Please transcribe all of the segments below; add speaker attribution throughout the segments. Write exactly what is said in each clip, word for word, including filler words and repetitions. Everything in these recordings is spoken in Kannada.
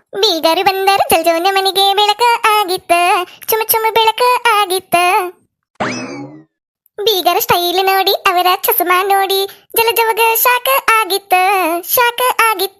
Speaker 1: ಬೀಗರು ಬಂದರು ಜಲ್ಜೋನ ಮನೆಗೆ ಬೆಳಕ ಆಗಿತ್ತ, ಚುಮ ಚುಮ ಬೆಳಕ ಆಗಿತ್ತ. ಬೀಗರ ಸ್ಟೈಲ್ ನೋಡಿ ಅವರ ಚಸ್ಮಾ ನೋಡಿ ಜಲಜವಗ ಶಾಕ ಆಗಿತ್ತ, ಶಾಕ ಆಗಿತ್ತ.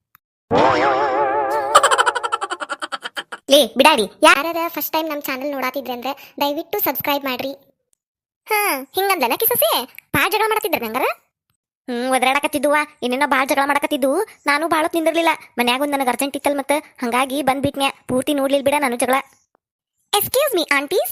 Speaker 1: ಲೇ ಬಿಡಾಡಿ, ಯಾರ ಫಸ್ಟ್ ಟೈಮ್ ನಮ್ಮ ಚಾನಲ್ ನೋಡಾತಿದ್ರೆ ಅಂದ್ರೆ ದಯವಿಟ್ಟು ಸಬ್ಸ್ಕ್ರೈಬ್ ಮಾಡ್ರಿ. ಹಾ ಹಿಂಗಂದನ ಕಿಸಸೆ ಭಾಳ ಜಗಳ ಮಾಡತ್ತಿದ್ರ ನಂಗಾರ. ಹ್ಮ್ ಒದರಾಡಕತ್ತಿದ್ದುವ, ಏನೇನೋ ಭಾಳ ಜಗಳ ಮಾಡಕತ್ತಿದ್ದು. ನಾನು ಭಾಳ ನಿಂದಿರ್ಲಿಲ್ಲ, ಮನ್ಯಾಗ ಒಂದು ನನಗೆ ಅರ್ಜೆಂಟ್ ಇತ್ತಲ್ ಮತ್ತೆ ಹಂಗಾಗಿ ಬಂದ್ಬಿಟ್ನ್ಯಾ. ಪೂರ್ತಿ ನೋಡ್ಲಿಲ್ ಬಿಡ ನಾನು ಜಗಳ. Excuse me aunties.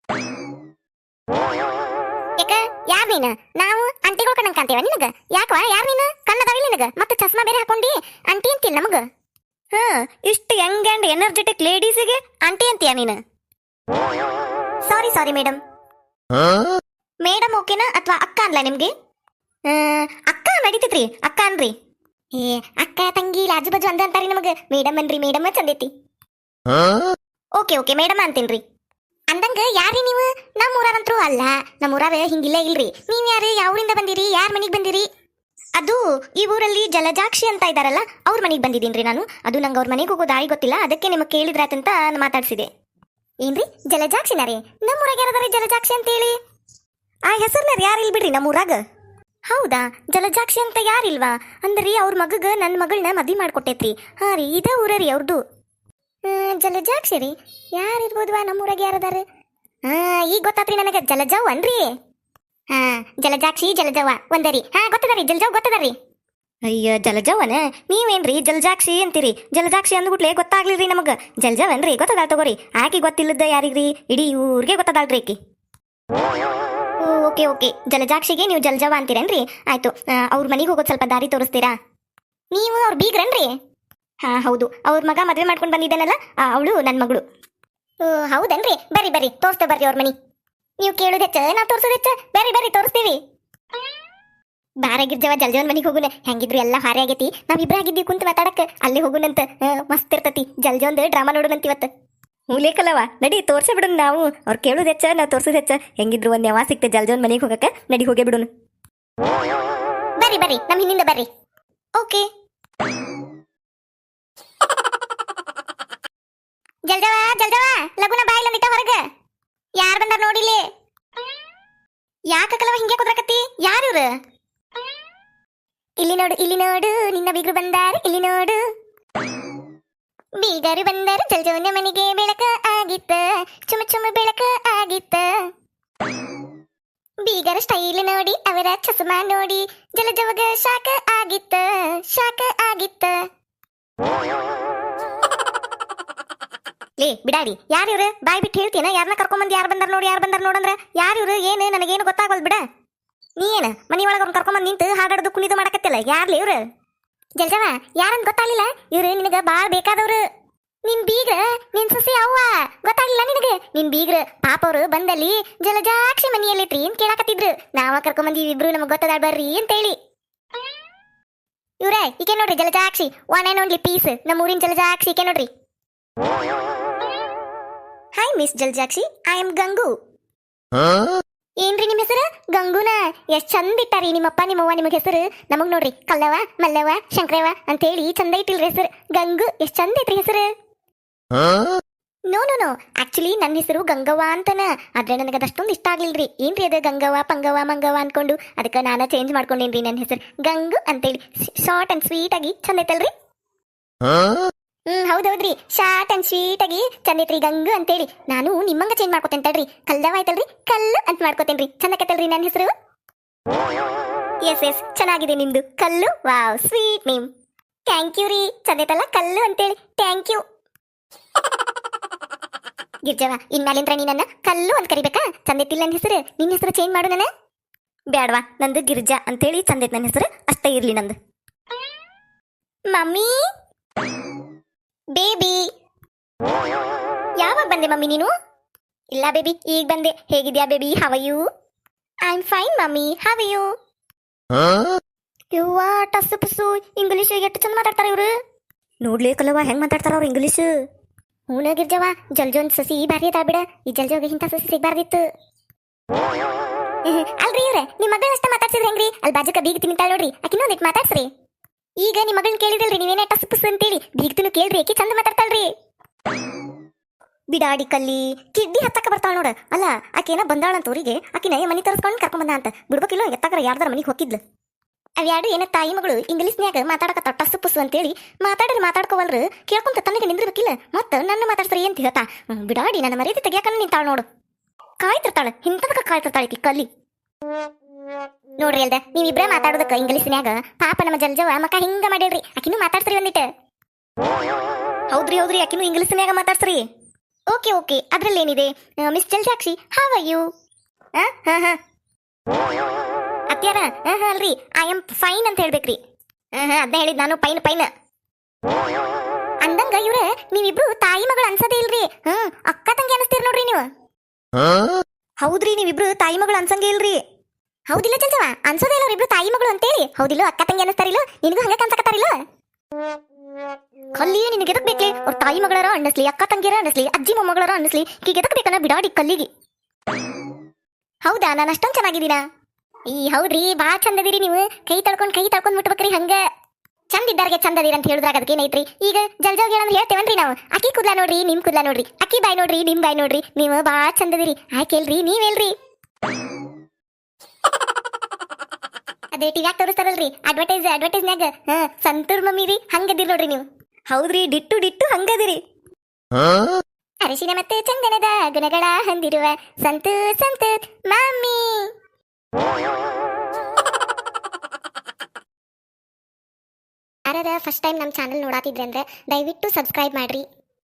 Speaker 1: ಯಾಕ ಯಾರ್ ನೀನು? ನಾವು ಆಂಟಿಗಳು ಕಣ್ಣಂಗ್ ಕಾಣ್ತೇವ ನಿನಗ? ಯಾಕವಾ ಯಾರ್ ನೀನು? ಕಣ್ಣದಾವಿಲ್ಲ ನಿನಗ? ಮತ್ತೆ ಚಸ್ಮಾ ಬೇರೆ ಹಾಕೊಂಡಿ ಆಂಟಿ ಅಂತಿಲ್ಲ ನಮಗ. ಹಾ ಇಷ್ಟು ಯಂಗ್ ಅಂಡ್ ಎನರ್ಜೆಟಿಕ್ ಲೇಡೀಸಿಗೆ ಆಂಟಿ ಅಂತೀಯ ನೀನು? ಸಾರಿ ಸಾರಿ ಮೇಡಮ್. ಮೇಡಮ್ ಓಕೆನಾ ಅಥವಾ ಅಕ್ಕ ಅನ್ಲ ನಿಮ್ಗೆ? ಅಕ್ಕ ನಡೀತೈತ್ರಿ, ಅಕ್ಕ ಅನ್ರಿ. ಏ ಅಕ್ಕ ತಂಗಿ ಲಾಜು ಬಾಜು ಅಂದ ಅಂತಾರಿ ನಮಗ. ಮೇಡಮ್ ಅನ್ರಿ, ಮೇಡಮ್ ಚಂದೈತಿ. ಓಕೆ ಓಕೆ ಮೇಡಮ್ ಅಂತೀನ್ರಿ. ಅಂದಂಗ ಯಾರಿ ನೀವು? ನಮ್ಮ ಊರಾರಂತ್ರು ಅಲ್ಲ, ನಮ್ಮ ಊರಾರ ಹಿಂಗಿಲ್ಲ ಇಲ್ರಿ. ನೀವ್ ಯಾರು? ಯಾವೂರಿಂದ ಬಂದಿರಿ? ಯಾರ ಮನೆಗೆ ಬಂದಿರಿ? ಅದು ಈ ಊರಲ್ಲಿ ಜಲಜಾಕ್ಷಿ ಅಂತ ಇದಾರಲ್ಲ, ಅವ್ರ ಮನೆಗೆ ಬಂದಿದ್ದೀನ್ರಿ ನಾನು. ಅದು ನಂಗೆ ಅವ್ರ ಮನೆಗೆ ಹೋಗೋ ದಾರಿ ಗೊತ್ತಿಲ್ಲ, ಅದಕ್ಕೆ ನಿಮಗೆ ಕೇಳಿದ್ರಾತಂತ ಮಾತಾಡ್ಸಿದೆ. ಏನ್ರಿ ಜಲಜಾಕ್ಷಿನ ರೀ? ನಮ್ಮ ಊರಾಗ ಯಾರದಾರಿ ಜಲಜಾಕ್ಷಿ ಅಂತೇಳಿ? ಆ ಹೆಸರ್ನಾರ ಯಾರು ಇಲ್ ಬಿಡ್ರಿ ನಮ್ಮ ಊರಾಗ. ಹೌದಾ, ಜಲಜಾಕ್ಷಿ ಅಂತ ಯಾರಿಲ್ವಾ? ಅಂದ್ರಿ ಅವ್ರ ಮಗಗ ನನ್ನ ಮಗಳನ್ನ ಮದ್ವಿ ಮಾಡ್ಕೊಟ್ಟೈತ್ರಿ. ಹಾ ರೀ, ಇದ ಊರ ರೀ ಅವ್ರದ್ದು. ಜಲಜಾಕ್ಷಿ ರೀ, ಯಾರಿರ್ಬೋದ್ವಾ ನಮ್ಮೂರಾಗ ಯಾರದಾರ? ಹಾ ಈಗ ಗೊತ್ತಾತ್ರಿ ನನಗೆ, ಜಲಜವ್ ಅನ್ರಿ. ಹಾ ಜಲಜಾಕ್ಷಿ ಜಲಜವ ಒಂದರಿ. ಹಾ ಗೊತ್ತದರಿ, ಜಲಜವ್ ಗೊತ್ತದರಿ. ಅಯ್ಯ ಜಲಜವನ, ನೀವೇನ್ರಿ ಜಲಜಾಕ್ಷಿ ಅಂತೀರಿ? ಜಲಜಾಕ್ಷಿ ಅಂದ್ಬಿಟ್ಲೆ ಗೊತ್ತಾಗ್ಲಿರಿ ನಮಗ. ಜಲಜವ್ ಅನ್ರಿ, ಗೊತ್ತದ ತಗೋರಿ. ಆಕಿ ಗೊತ್ತಿಲ್ಲದ ಯಾರಿಗ್ರಿ? ಇಡೀ ಊರಿಗೆ ಗೊತ್ತದಾಳ್ರಿ ಆಕಿ. ಓಕೆ ಓಕೆ, ಜಲಜಾಕ್ಷಿಗೆ ನೀವು ಜಲಜವ ಅಂತೀರೇನ್ರಿ? ಆಯ್ತು, ಅವ್ರ ಮನೆಗೆ ಹೋಗೋದು ಸ್ವಲ್ಪ ದಾರಿ ತೋರಿಸ್ತೀರಾ? ನೀವು ಅವ್ರ ಬೀಗ್ರನ್ರಿ? ಹಾ ಹೌದು, ಅವ್ರ ಮಗ ಮದುವೆ ಮಾಡ್ಕೊಂಡು ಬಂದಿದ್ದೇನಲ್ಲ, ಅವಳು ನನ್ನ ಮಗಳು. ಹೌದನ್ರಿ? ಬರ್ರಿ ಬರ್ರಿ ತೋರಿಸ್ತೇ ಬರ್ರಿ ಅವ್ರ ಮನಿ. ನೀವು ಕೇಳೋದು ಹೆಚ್ಚ, ನಾವು ತೋರಿಸೋದು ಹೆಚ್ಚ. ಬರ್ರಿ ಬರ್ರಿ ತೋರಿಸ್ತೀವಿ. ಬಾರಾಗಿರ್ಜವ ಜಲ್ಜವನ್ ಮನಿಗೆ ಹೋಗುನ. ಹೆಂಗಿದ್ರು ಎಲ್ಲ ಹಾರೆ ಆಗೈತಿ, ನಾವಿಬ್ರ ಆಗಿದ್ದೀವಿ ಕುಂತ ಮಾತಾಡಕ್ಕೆ. ಅಲ್ಲೇ ಹೋಗುನಂತ, ಮಸ್ತ್ ಇರ್ತತಿ. ಜಲ್ಜವಂದು ಡ್ರಾಮಾ ನೋಡೋಣಂತ ಇವತ್ತು. ಮೂಲೇಕಲ್ಲವ, ನಡಿ ತೋರ್ಸೇ ಬಿಡೋಣ ನಾವು. ಅವ್ರು ಕೇಳೋದು ಹೆಚ್ಚ, ನಾವು ತೋರ್ಸೋದು ಹೆಚ್ಚ. ಹೆಂಗಿದ್ರು ಒಂದ್ ಯಾವ ಸಿಕ್ತೆ ಜಲ್ಜವನ್ ಮನೆಗೆ ಹೋಗಕ್ಕೆ. ನಡಿ ಹೋಗೇ ಬಿಡೋಣ. ಬರ್ರಿ ಬರ್ರಿ ನಮ್ಮ ಹಿಂದಿಂದ ಬರ್ರಿ. ಓಕೆ. ಜಲ್ಜವ ಜಲ್ಜವ ಲಗುನ ಬಾಯಿಲ್ಲ ನಿಟ್ಟ ಹೊರಗ. ಯಾರು ಬಂದಾರ ನೋಡಿಲಿ? ಯಾಕಲ್ಲವ ಹಿಂಗೆ ಕುದ್ರಕತ್ತಿ? ಯಾರಿವ್ರು? ಇಲ್ಲಿ ನೋಡು, ಇಲ್ಲಿ ನೋಡು, ನಿನ್ನ ಬೀಗರು ಬಂದಾರ, ಇಲ್ಲಿ ನೋಡು. ಬೀಗರು ಬಂದರು ಜಲ್ಜವನ ಮನೆಗೆ ಬೆಳಕ ಆಗಿತ್ತ, ಚುಮ ಚುಮ ಬೆಳಕ ಆಗಿತ್ತ. ಬೀಗರ ಸ್ಟೈಲ್ ನೋಡಿ ಅವರ ಚಸ್ಮಾ ನೋಡಿ ಜಲಜವಗ ಶಾಕ ಆಗಿತ್ತ, ಶಾಕ ಆಗಿತ್ತ. ಲೇ ಬಿಡಾಡಿ, ಯಾರಿವ್ರು? ಬಾಯ್ ಬಿಟ್ಟು ಹೇಳ್ತೀನ? ಯಾರನ್ನ ಕರ್ಕೊಂಬಂದು ಯಾರು ಬಂದಾರ ನೋಡಿ, ಯಾರು ಬಂದಾರ ನೋಡಂದ್ರ ಯಾರಿವ್ರು? ಏನು ನನಗೇನು ಗೊತ್ತಾಗಲ್ ಬಿಡ. ನೀ ಏನು ಮನಿ ಒಳಗೆ ಅವ್ರು ಕರ್ಕೊಂಬಂದು ನಿಂತು ಹಾಡಾಡ್ದು ಕುಣಿದು ಮಾಡಕತ್ತಿಲ್ಲ? ಯಾರ್ಲಿ ಇವ್ರು? ಜಲ್ಜವ ಯಾರಂತ ಗೊತ್ತಾಗ್ಲಿಲ್ಲ? ಇವ್ರು ನಿನಗ ಬಾಳ ಬೇಕಾದವ್ರು. ನಿನ್ ಬೀಗ್ರ, ನಿನ್ ಸೊಸೆ ಅವ್ವ. ಗೊತ್ತಾಗ್ಲಿಲ್ಲ ನಿನಗೆ? ನಿನ್ ಬೀಗ್ರ ಪಾಪ ಅವ್ರು ಬಂದಲ್ಲಿ ಜಲಜಾಕ್ಷಿ ಮನಿಯಲ್ಲಿಟ್ರಿ ಅಂತ ಕೇಳಾಕತ್ತಿದ್ರು. ನಾವ ಕರ್ಕೊಂಬಂದಿವಿ ಇಬ್ರು, ನಮಗ್ ಗೊತ್ತದಾಳ್ ಬರ್ರಿ ಅಂತೇಳಿ. ಇವ್ರೇ ಈಕೆ ನೋಡ್ರಿ Jalajakshi, one and only piece, ನಮ್ಮ ಊರಿನ ಜಲಜಾಕ್ಷಿ ಈಕೆ ನೋಡ್ರಿ. Hi miss Jalajakshi, I am Gangu. ಏನ್ರಿ ನಿಮ್ಮ ಹೆಸರು? ಗಂಗುನ? ಎಷ್ಟ್ ಚಂದ ಇಟ್ಟಾರಿ ನಿಮ್ಮಪ್ಪ ನಿಮ್ಮವ್ವ ನಿಮಗ್ ಹೆಸರು. ನಮಗ್ ನೋಡ್ರಿ ಕಲ್ಲವ ಮಲ್ಲವ ಶಂಕರವ ಅಂತೇಳಿ ಚಂದ ಇಟ್ಟಿಲ್ರಿ ಹೆಸರು. ಗಂಗು ಎಷ್ಟ್ ಚಂದ ಐತ್ರಿ ಹೆಸರು. ನೋ ನೋ ನೋ, ಆಕ್ಚುಲಿ ನನ್ನ ಹೆಸರು ಗಂಗವ್ವ ಅಂತನ. ಆದ್ರೆ ನನಗೆ ಅದಷ್ಟೊಂದು ಇಷ್ಟ ಆಗ್ಲಿಲ್ರಿ. ಏನ್ರಿ ಅದು ಗಂಗವ್ವ ಪಂಗವ್ವ ಮಂಗವ್ವ ಅನ್ಕೊಂಡು ಅದಕ್ಕೆ ನಾನು ಚೇಂಜ್ ಮಾಡ್ಕೊಂಡೇನ್ರಿ ನನ್ನ ಹೆಸರು ಗಂಗು ಅಂತೇಳಿ. ಶಾರ್ಟ್ ಅಂಡ್ ಸ್ವೀಟ್ ಆಗಿ ಚಂದ ಐತಲ್ರಿ? ಹ್ಮ್ ಹೌದೌದ್ರಿ, ಶಾರ್ಟ್ ಅಂಡ್ ಸ್ವೀಟ್ ಆಗಿ ಚಂದ ಐತ್ರಿ ಗಂಗು ಅಂತೇಳಿ. ನಾನು ನಿಮ್ಮಂಗ ಚೇಂಜ್ ಮಾಡ್ಕೋತೇನೆ ತಡ್ರಿ. ಕಲ್ಲವ ಆಯ್ತಲ್ರಿ, ಕಲ್ಲು ಅಂತ ಮಾಡ್ಕೋತೇನ್ರಿ. ಚಂದಕತ್ತಲ್ರಿ ನನ್ನ ಹೆಸರು? ಎಸ್ ಎಸ್ ಚೆನ್ನಾಗಿದೆ ನಿಮ್ದು, ಕಲ್ಲು. Wow sweet name. Thank you ರೀ, ಚಂದ ಐತಲ್ಲ ಕಲ್ಲು ಅಂತೇಳಿ. Thank you. ಗಿರ್ಜವ, ಇನ್ಮ್ಯಾಲಿಂದ್ರ ನೀ ನನ್ನ ಕಲ್ಲು ಅಂತ ಕರಿಬೇಕಾ? ಚಂದ ಐತಿಲ್ಲ ನನ್ನ ಹೆಸರು? ನಿನ್ನ ಹೆಸರು ಚೇಂಜ್ ಮಾಡು. ನನ್ನ ಬ್ಯಾಡ್ವಾ, ನಂದು ಗಿರ್ಜಾ ಅಂತೇಳಿ ಚಂದ ಐತ್ ನನ್ನ ಹೆಸರು, ಅಷ್ಟೇ ಇರ್ಲಿ ನಂದು. ಮಮ್ಮಿ ಬೇಬಿ, ಯಾವಾಗ ಬಂದೆ ಮಮ್ಮಿ ನೀನು? ಇಲ್ಲ ಬೇಬಿ ಈಗ ಬಂದೆ. ಹೇಗಿದ್ಯಾ baby? How are you? I am fine mummy, how are you? ಯವ್ವಾ ಟಸ್ಸು ಪಸ್ಸು ಇಂಗ್ಲೀಷ್ ಎಷ್ಟು ಚಂದ ಮಾತಾಡ್ತಾರ ಇವ್ರು. ನೋಡ್ಲೇಕಲ್ಲವ ಹೆಂಗ್ ಮಾತಾಡ್ತಾರ ಅವ್ರು ಇಂಗ್ಲೀಷ್. ಹೂನ ಗಿರ್ಜವ, ಜಲ್ಜೋನ್ ಸಸಿ ಭಾರಿ ಅದ ಬಿಡ. ಈ ಜಲ್ಜೋಗ ಇಂಥ ಸಸಿ ಸಿಗ್ಬಾರ್ದಿತ್ತು. ಅಲ್ರಿ ಇವ್ರೆ, ನಿಮ್ ಮಗಳ ಅಷ್ಟ ಮಾತಾಡ್ಸಿದ್ರಿ ಹೆಂಗ್ರಿ? ಅಲ್ಲಿ ಬಾಜುಕ ಬೀಗ ತಿಂತಾಳ ನೋಡ್ರಿ, ಆಕಿನೊಂದಿಟ್ ಮಾತಾಡ್ಸ್ರಿ. ಈಗ ನಿಮ್ಮ ಮಗಳನ್ನ ಕೇಳಿದ್ರಲ್ರಿ ನೀವೇನೇ ಟಸ್ ಪುಸ್ ಅಂತೇಳಿ, ಬೀಗ್ತನು ಕೇಳ್ರಿ, ಆಕಿ ಚಂದ ಬಿಡಾಡಿ ಕಲ್ಲಿ ಕಿಡ್ಡಿ ಹತ್ತಕ್ಕ ಬರ್ತಾಳ ನೋಡ. ಅಲ್ಲ ಆಕೇನ ಬಂದಾಳಂತ ಊರಿಗೆ, ಆಕಿನ ಮನಿ ತರಿಸ್ಕೊಂಡು ಕರ್ಕೊಂಡ್ ಬಂದ ಅಂತ ಬಿಡ್ಬೇಕಿಲ್ಲ. ಎತ್ತಕ್ರ ಯಾರ್ದಾರ ಮನಿಗೆ ಹೋಗಿದ್ಲು. ಅವ್ಯಾಡು ಏನ ತಾಯಿ ಮಗಳು ಇಂಗ್ಲೀಷ್ನ್ಯಾಗ ಮಾತಾಡಕತ್ತ ಟಸ್ಸು ಪುಸ್ಸು ಅಂತೇಳಿ ಮಾತಾಡ್ರಿ ಮಾತಾಡ್ಕೋವಲ್ರು ಕೇಳ್ಕೊಂತ ತನಗೆ ನಿಂದಿರ್ಬೇಕಿಲ್ಲ. ಮತ್ತ ನನ್ನ ಮಾತಾಡ್ಸ್ರಿ ಅಂತ ಹೇಳ್ತಾ ಬಿಡಾಡಿ ನನ್ನ ಮರ್ಯಾದೆ ತೆಗಿಯಾಕನ ನಿಂತಾಳ ನೋಡು. ಕಾಯ್ತಿರ್ತಾಳ, ಹಿಂತದಕ ಕಾಯ್ತಿರ್ತಾಳ ಈಕಿ ಕಲ್ಲಿ. ನೋಡ್ರಿ ಅಲ್ದ ನೀವಿಬ್ರೇ ಮಾತಾಡೋದಕ್ಕ ಇಂಗ್ಲೀಷ್ನ್ಯಾಗ ಪಾಪ ನಮ್ಮ ಜಲ್ಜವ ಮಕ್ಕ ಹಿಂಗ ಮಾಡಿಲ್ರಿ. ಆಕಿನೂ ಮಾತಾಡ್ಸ್ರಿ ಒಂದಿಟ್ಟು. ಹೌದ್ರಿ ಹೌದ್ರಿ ಆಕಿನೂ ಇಂಗ್ಲೀಷ್ನ್ಯಾಗ ಮಾತಾಡ್ಸ್ರಿ. ಓಕೆ ಓಕೆ ಅದ್ರಲ್ಲೇನಿದೆ. Miss Jaljakshi how are you? ಹಾ ಹಾ ಅತ್ಯಾರ ಹಾ ಹಾ ಅಲ್ರಿ ಐ ಆಮ್ ಫೈನ್ ಅಂತ ಹೇಳ್ಬೇಕ್ರಿ. ಹಾ ಹಾ ಅದನ್ನ ಹೇಳಿದ್ ನಾನು, ಪೈನ್ ಪೈನ್ ಅಂದಂಗ. ಇವ್ರ ನೀವಿಬ್ರು ತಾಯಿ ಮಗಳು ಅನ್ಸದೇ ಇಲ್ರಿ. ಹ್ಮ್ ಅಕ್ಕ ತಂಗಿ ಅನಿಸ್ತೀರಿ ನೋಡ್ರಿ ನೀವು. ಹೌದ್ರಿ ನೀವಿಬ್ರು ತಾಯಿ ಮಗಳು ಅನ್ಸಂಗೆ ಇಲ್ರಿ. ಹೌದಿಲ್ಲ ಚಂಚವ ಅನ್ಸೋದೇ ಇಲ್ಲ ಅವ್ರಿಬ್ರು ತಾಯಿ ಮಗಳು ಅಂತೇಳಿ. ಹೌದಿಲ್ಲ ಅಕ್ಕ ತಂಗಿ ಅನಿಸ್ತಾರಿಲ್ಲ, ನಿನಗೂ ಹಂಗ ಕನ್ಸಕತ್ತಾರಿಲ್ಲ. ಕಲ್ಲಿ ನಿನಗೆ ಎದಕ್ ಬೇಕ್ಲಿ? ಅವ್ರ ತಾಯಿ ಮಗಳಾರ ಅನ್ನಿಸ್ಲಿ, ಅಕ್ಕ ತಂಗಿಯರ ಅನ್ನಿಸ್ಲಿ, ಅಜ್ಜಿ ಮೊಮ್ಮಗಳಾರ ಅನ್ನಿಸ್ಲಿ, ಈಗ ಎದಕ್ ಬೇಕನ್ನ ಬಿಡಾಡಿ ಕಲ್ಲಿಗೆ. ಹೌದಾ ನಾನು ಅಷ್ಟೊಂದು ಚೆನ್ನಾಗಿದ್ದೀನ? ಈ ಹೌದ್ರಿ ಬಾ ಚಂದದಿರಿ ನೀವು. ಕೈ ತಳ್ಕೊಂಡ್ ಕೈ ತಳ್ಕೊಂಡ್ ಮುಟ್ಬೇಕ್ರಿ. ಹಂಗ ಚಂದ ಇದ್ದಾರಿಗೆ ಚಂದದಿರಿ ಅಂತ ಹೇಳಿದ್ರಾಗ ಅದಕ್ಕೆ ಏನೈತ್ರಿ. ಈಗ ಜಲ್ಜಾವ್ ಹೇಳಂದ್ರೆ ಹೇಳ್ತೇವನ್ರಿ ನಾವು. ಅಕ್ಕಿ ಕೂದ್ಲಾ ನೋಡ್ರಿ ನಿಮ್ ಕೂದ್ಲಾ ನೋಡ್ರಿ, ಅಕ್ಕಿ ಬಾಯ್ ನೋಡ್ರಿ ನಿಮ್ ಬಾಯ್ ನೋಡ್ರಿ, ನೀವು ಬಾ ಚಂದದಿರಿ. ಆಯ್ಕೆಲ್ರಿ ನೀವೆಲ್ರಿ? ಅದೇ ಟಿವ್ಯಾಗ ತೋರಿಸ್ತಾರಲ್ರಿ ಅಡ್ವರ್ಟೈಸ್, ಅಡ್ವರ್ಟೈಸ್ನ್ಯಾಗ ಹಾ ಸಂತೂರ್ ಮಮ್ಮಿ ರೀ ಹಂಗದಿರಿ ನೋಡ್ರಿ ನೀವು. ಹೌದ್ರಿ ಡಿಟ್ಟು ಡಿಟ್ಟು ಹಂಗದಿರಿ. ಅರಿಶಿನ ಮತ್ತೆ ಚಂದನದ ಗುಣಗಳ ಹೊಂದಿರುವ ಸಂತು ಸಂತು ಮಮ್ಮಿ. ಯಾರಾರ ಫಸ್ಟ್ ಟೈಮ್ ನಮ್ಮ ಚಾನಲ್ ನೋಡಾತಿದ್ರೆ ಅಂದ್ರೆ ದಯವಿಟ್ಟು ಸಬ್ಸ್ಕ್ರೈಬ್ ಮಾಡ್ರಿ.